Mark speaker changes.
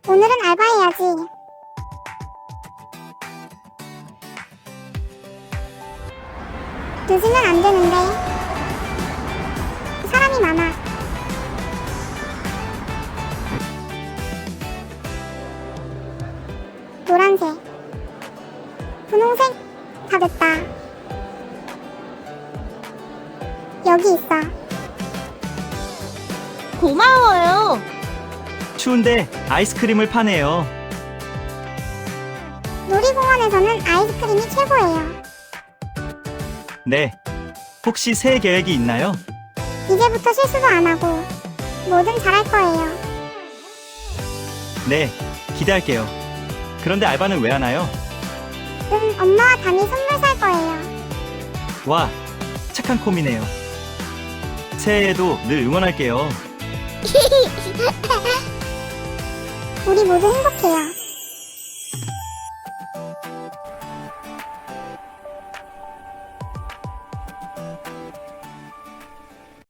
Speaker 1: 오늘은 알바해야지. 늦으면 안 되는데. 사람이 많아. 노란색, 분홍색, 다 됐다. 여기 있어.
Speaker 2: 고마워요.
Speaker 3: 추운데 아이스크림을 파네요.
Speaker 1: 놀이공원에서는 아이스크림이 최고예요.
Speaker 3: 네. 혹시 새해 계획이 있나요?
Speaker 1: 이제부터 실수도 안 하고 뭐든 잘할 거예요.
Speaker 3: 네. 기대할게요. 그런데 알바는 왜 하나요?
Speaker 1: 엄마와 담이 선물 살 거예요.
Speaker 3: 와, 착한 콤이네요. 새해에도 늘 응원할게요.
Speaker 1: 우리 모두 행복해요.